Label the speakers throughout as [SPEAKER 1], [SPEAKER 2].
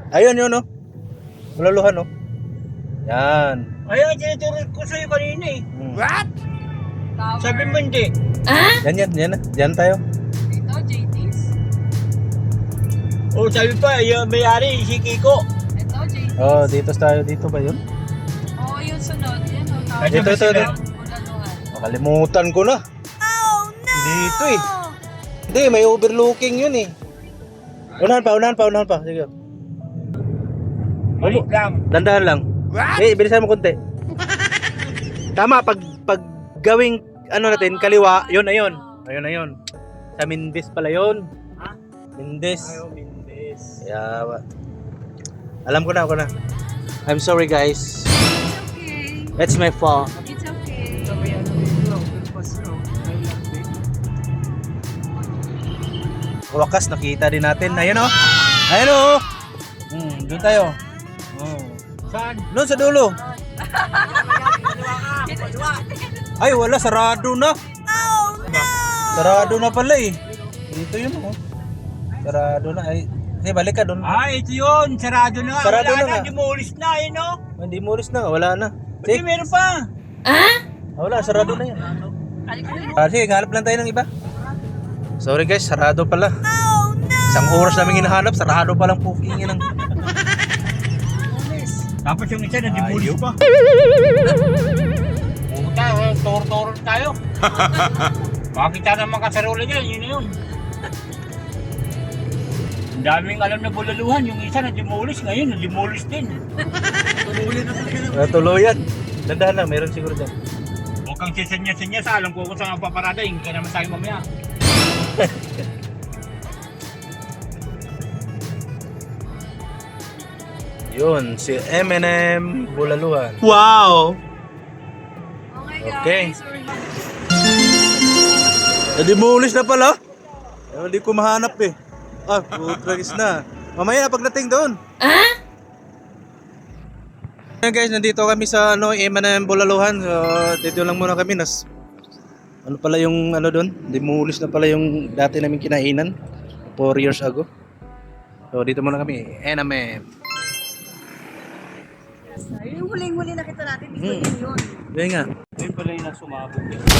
[SPEAKER 1] Ayun yun, no? Bululuhan, no? Yan.
[SPEAKER 2] Ayun, tinuturo ko sa'yo kanina eh.
[SPEAKER 1] What?
[SPEAKER 2] Sabi mo hindi.
[SPEAKER 1] Yan tayo.
[SPEAKER 3] Ito, JT's.
[SPEAKER 2] O sabi pa, yung may-ari, si Kiko.
[SPEAKER 3] Ito, JT's.
[SPEAKER 1] Oh, dito tayo. Dito ba yun?
[SPEAKER 3] Oo, yung sunod. Yan, o.
[SPEAKER 2] Ay,
[SPEAKER 1] Dito.
[SPEAKER 3] Bulaluhan.
[SPEAKER 1] Makalimutan ko na. Oh, no! Dito eh. Hindi, may overlooking yun eh. Unahan pa. Sige.
[SPEAKER 2] Balik lang.
[SPEAKER 1] Dandahan lang. Bilisan mo konti. Tama, pag gawing ano natin, kaliwa, yun na yun. Ayun na yun. Sa Mindis pala yun.
[SPEAKER 2] Ha?
[SPEAKER 1] Mindis.
[SPEAKER 2] Ayaw, Mindes.
[SPEAKER 1] Yeah, alam ko na. I'm sorry guys.
[SPEAKER 3] Okay.
[SPEAKER 1] That's my fault.
[SPEAKER 3] It's okay.
[SPEAKER 2] Sabi ano dito, pagpas no.
[SPEAKER 1] Wakas, nakita din natin. Ayun o. Ayun o. Doon tayo.
[SPEAKER 2] Saan?
[SPEAKER 1] Doon sa dulo. Ay, wala. Sarado na. Oh, no! Sarado na pala eh. Dito yun o. Sarado na. Ay, balik ka doon.
[SPEAKER 2] Ah, ito yun. Sarado na.
[SPEAKER 1] Sarado
[SPEAKER 2] Wala
[SPEAKER 1] na nga.
[SPEAKER 2] Demolis na eh, no?
[SPEAKER 1] Hindi mo ulis na. Wala na.
[SPEAKER 2] Hindi, meron pa.
[SPEAKER 1] Wala. Sarado na yan. Sige, hanap lang tayo ng iba. Sorry guys, sarado pala. Oh, no! Isang oras namin hinahanap. Sarado palang puking yun.
[SPEAKER 2] Tapos yung isa na demolis
[SPEAKER 1] Ayun.
[SPEAKER 2] pa. Puta, toro-toro tayo. Makita naman kasarola niya, yun na yun. Ang daming alam na bulaluhan, yung isa na demolis, ngayon na demolis din.
[SPEAKER 1] Tuluyan. Dandahan lang, meron siguro dyan.
[SPEAKER 2] Huwag kang sisenya-senya sa alam ko kung saan ang paparada, yung kaya naman tayo mamaya.
[SPEAKER 1] Yun, si M&M Bulaluhan.
[SPEAKER 3] Oh
[SPEAKER 1] Wow!
[SPEAKER 3] my
[SPEAKER 1] Okay.
[SPEAKER 3] guys. We're
[SPEAKER 1] Nadimulis na pala. Hindi ko mahanap eh. Putragis na. Mamaya na pagdating doon. Ayan guys, nandito kami sa M&M Bulaluhan. So, dito lang muna kami. Ano pala yung ano doon? Dimulis na pala yung dati namin kinainan 4 years ago. So dito muna kami, M&M.
[SPEAKER 3] Yung huling-huli nakita natin, dito yun.
[SPEAKER 1] Yun nga.
[SPEAKER 2] Ayun pala yung nagsumabog.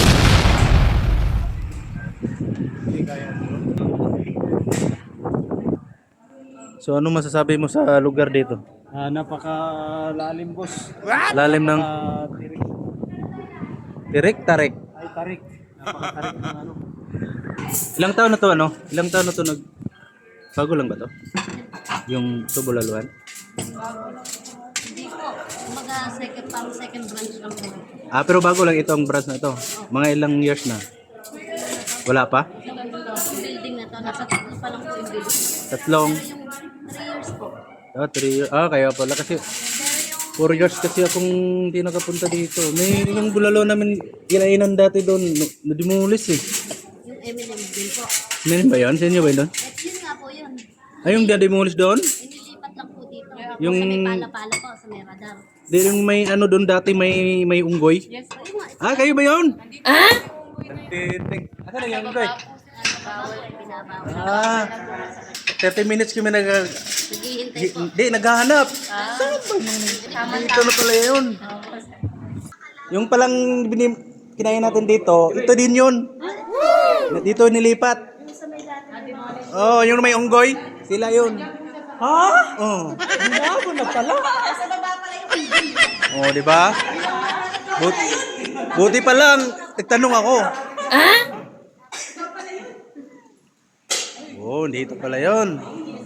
[SPEAKER 1] So ano masasabi mo sa lugar dito?
[SPEAKER 2] Napakalalim boss.
[SPEAKER 1] Lalim ng
[SPEAKER 2] Tirik.
[SPEAKER 1] Tirik, tarik.
[SPEAKER 2] Ay, tarik. Napakatarik ng ano.
[SPEAKER 1] Ilang taon na to ano? Ilang taon na to bago lang ba to? Yung to Bulaluhan?
[SPEAKER 4] Hindi po. Kumbaga second branch lang po.
[SPEAKER 1] Pero bago lang itong branch na to. Mga ilang years na? Wala pa?
[SPEAKER 4] Yung building na to, nasa tatlo pa lang po yung building.
[SPEAKER 1] Tatlong?
[SPEAKER 4] Yung 3 years po.
[SPEAKER 1] 3 years. Kaya pala kasi 4 years kasi akong hindi nakapunta dito. May yung bulalo namin kinainan dati doon. Nadimulis eh.
[SPEAKER 4] Yung M&M din po.
[SPEAKER 1] Meron ba yun? Sa inyo ba yun?
[SPEAKER 4] At yun nga po yun.
[SPEAKER 1] Ay, yung nadimulis doon?
[SPEAKER 4] Inilipat lang po dito.
[SPEAKER 1] Yung-
[SPEAKER 4] Sa may pala-pala po, sa may radar.
[SPEAKER 1] Di yung may ano doon dati may unggoy?
[SPEAKER 4] Yes. Ayun nga.
[SPEAKER 1] Kayo ba yun? Nagtiting. Asa na yung unggoy?
[SPEAKER 4] Bawal, binabawal.
[SPEAKER 1] 30 minutes kami
[SPEAKER 4] Naghihintay po.
[SPEAKER 1] Hindi, naghahanap. Saan ba yun? Dito na pala yun. Yung palang kinain natin dito, ito din yun. Dito nilipat. Yung may unggoy, sila yun. Ha? Bago na pala. Di ba? Buti pa lang, nagtanong ako. Dito pala yun.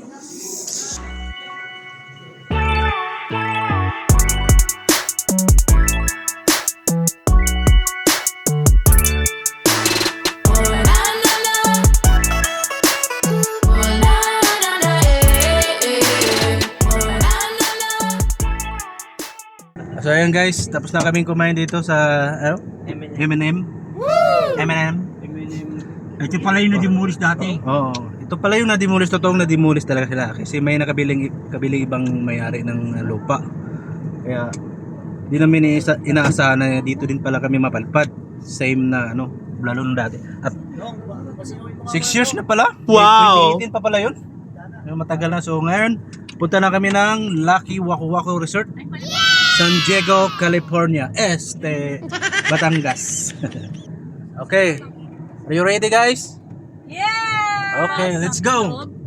[SPEAKER 1] So ayun guys, tapos na kaming kumain dito sa M&M. M&M.
[SPEAKER 2] Ito pala yung na-demolis dati.
[SPEAKER 1] Oo. Ito pala yung nadimulis, totoong nadimulis talaga sila kasi may kabiling ibang may-ari ng lupa. Kaya di namin inaasahan na dito din pala kami mapalpad. Same na lalo nung dati. At 6 years na pala? Wow! 2018 pa pala yun. Matagal na. So ngayon, Punta na kami ng Lucky Waku Waku Resort. San Diego, California. Batangas. Okay. Are you ready, guys?
[SPEAKER 3] Yeah!
[SPEAKER 1] Okay, let's go.